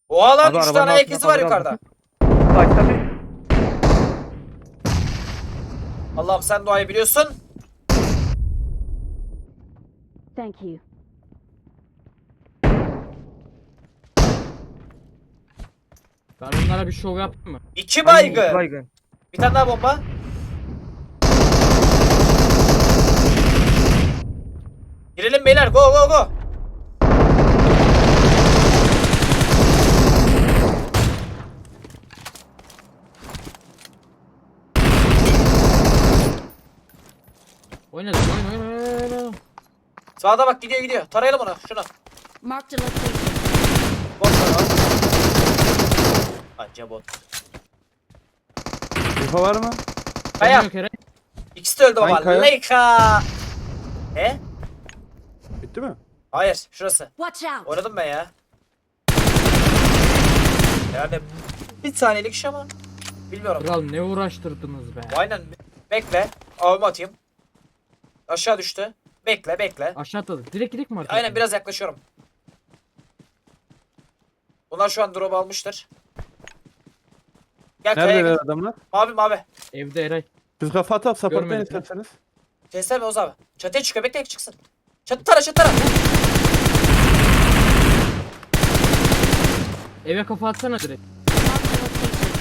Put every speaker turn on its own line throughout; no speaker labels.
Oha lan
Abi
3
arabanın
tane ayak
altına
izi var
cover
yukarıda.
aldım. Başta bir.
Allah'ım sen duayı biliyorsun.
Thank you.
Ben onlara bir şov yaptım mı?
2
Ay,
baygın.
baygın.
Bir tane daha bomba. Girelim beyler, go go go.
Oynadım oyna.
Sağda bak, gidiyor gidiyor. Tarayalım onu, şunu.
Marked a location.
Bot var o. Anca bot.
Info var mı?
Kaya.
Oynuyor Kerem.
İkisi de öldü
Hangi
baba.
kaya?
Leica.
Bitti mi?
Hayır, şurası.
Watch out.
Oynadım ben ya. Yani bir saniyelik iş ama bilmiyorum.
Kral ne uğraştırdınız be.
Aynen. Bekle. Avımı atayım. Aşağı düştü. Bekle bekle.
Aşağı atladı. Direkt gidelim mi artık?
Aynen, biraz yaklaşıyorum. Bunlar şu an drop almıştır. Gel kayaya
Neredeler
git.
adamlar?
Mavi mavi.
Evde Eray.
Siz kafa atıp supportlayın
Görmedik ya.
isterseniz.
Sesler mi Oğuz abi? Çatıya çıkıyor, bekle çıksın. Çatı tara çatı tara.
Eve kafa atsana direkt.
Marked a location.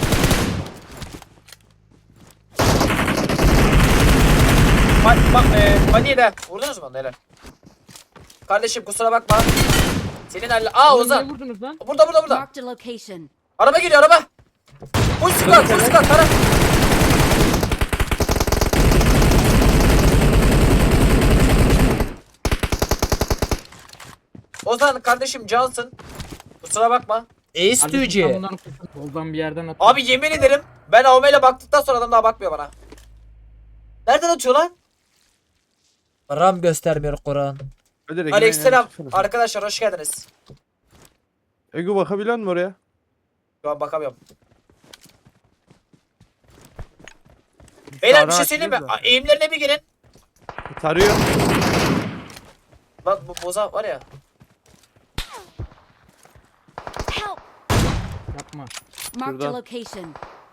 Bak Fani'yi de vurdunuz mu onu, helal. Kardeşim kusura bakma. Senin halle... Aa
Oğlum,
Ozan.
niye vurdunuz lan?
Burada.
Marked a location.
Araba geliyor araba. Full squad tara. Ozan kardeşim cansın. Kusura bakma.
Kardeşim, tam onların soldan bir yerden at.
Abi yemin ederim ben Avme'yle baktıktan sonra adam daha bakmıyor bana. Nereden atıyor lan? Ram göstermiyor Kur'an.
Hadi
Aleykümselam. Arkadaşlar hoş geldiniz.
Ego bakabiliyor musun oraya?
Şu an bakamıyorum. Beyler bir şey söyleyeyim mi? Eğimlerine bir girin.
Tarıyor.
Lan bu boza var ya.
Help.
Yapma.
Marked a
Şuradan.
location.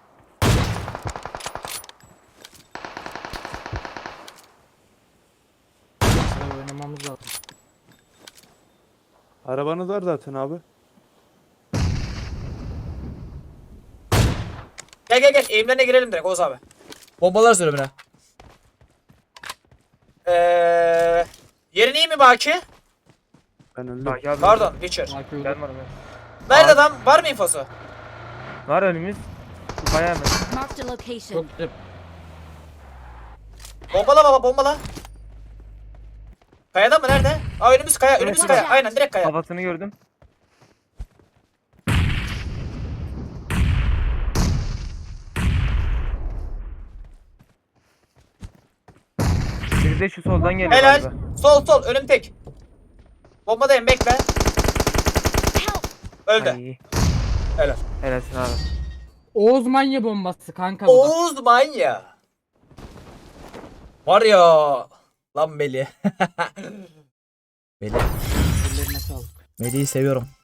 Sıra oynamamız lazım.
Arabanız var zaten abi.
Gel eğimlerine girelim direkt Oğuz abi. Bombalar sürümüne. Yerin iyi mi Baki?
Ben öldüm.
Bak abi.
Pardon Witcher.
Belki öldü.
Ben varım ben.
Nerede adam? Var mı infosu?
Var önümüz. Şu kaya hemen.
Marked a location.
Çok güzel.
Bombala baba bombala. Kayada mı nerede? Aa önümüz kaya, önümüz
Evet.
kaya. Aynen direkt kaya.
Kafasını gördüm. Bir de şu soldan geliyor
Helal.
galiba.
Sol önüm tek. Bombadayım bekle.
Help.
Öldü.
Ay,
Helal.
helalsin abi.
Oğuz manya bombası kanka bu da.
Oğuz manya. Var ya. Lan Melih. Melih.
Ellerine sağlık.
Melih'i seviyorum.